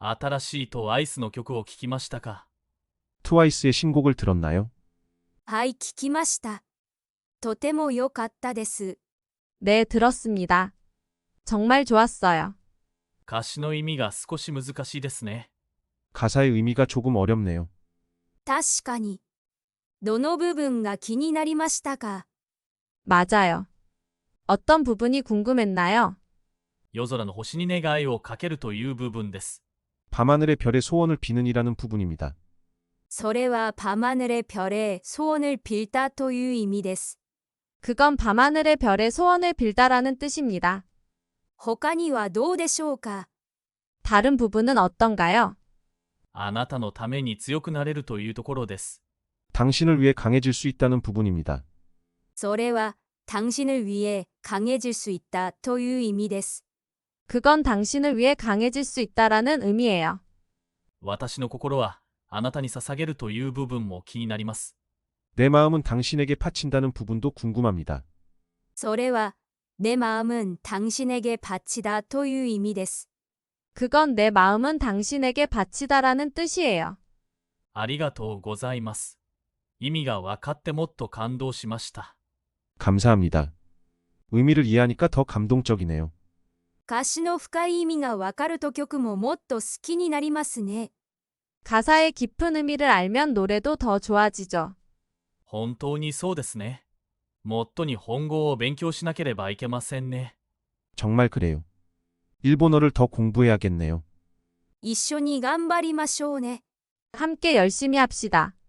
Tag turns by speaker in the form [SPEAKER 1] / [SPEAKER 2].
[SPEAKER 1] 新しいトワイスの曲を聴きましたか？
[SPEAKER 2] 트와이스의 신곡을 들었나요?
[SPEAKER 3] はい、聞きました。とても良かったです。
[SPEAKER 4] 네, 들었습니다. 정말 좋았어요.
[SPEAKER 1] 歌詞の意味が少し難しいですね。
[SPEAKER 2] 가사의 의미가 조금 어렵네요.
[SPEAKER 3] 確かに。どの部分が気になりましたか？
[SPEAKER 4] 맞아요. 어떤 부분이 궁금했나요?
[SPEAKER 1] 夜空の星に願いをかけるという部分です。
[SPEAKER 2] 밤하늘의 별의 소원을 비는이라는 부분입니다.
[SPEAKER 3] それは밤하늘의 별에 소원을 빌다 という意味です。
[SPEAKER 4] 그건 밤하늘의 별의 소원을 빌다라는 뜻입니다.
[SPEAKER 3] 他にはどうでしょうか？
[SPEAKER 4] 다른 부분은 어떤가요?
[SPEAKER 1] あなたのために強くなれるというところです。
[SPEAKER 2] 당신을 위해 강해질 수 있다는 부분입니다.
[SPEAKER 3] それは당신을 위해 강해질 수 있다 という意味です。
[SPEAKER 4] 그건 당신을 위해 강해질 수 있다라는 의미예요.
[SPEAKER 1] 私の心はあなたに捧げるという部分も気になります。
[SPEAKER 2] 내 마음은 당신에게 바친다는 부분도 궁금합니다.
[SPEAKER 3] それは내 마음은 당신에게 바치다 という意味です。
[SPEAKER 4] 그건 내 마음은 당신에게 바치다라는 뜻이에요.
[SPEAKER 1] ありがとうございます。意味が分かってもっと感動しました。
[SPEAKER 2] 감사합니다. 의미를 이해하니까 더 감동적이네요.
[SPEAKER 3] 歌詞の深い意味がわかると曲ももっと好きになりますね。
[SPEAKER 4] 가사의 깊은 의미를 알면 노래도 더 좋아지죠.
[SPEAKER 1] 本当にそうですね。もっと日本語を勉強しなければいけませんね。
[SPEAKER 2] 정말 그래요. 일본어를 더 공부해야겠네요.
[SPEAKER 3] 一緒に頑張りましょうね。
[SPEAKER 4] 함께 열심히 합시다.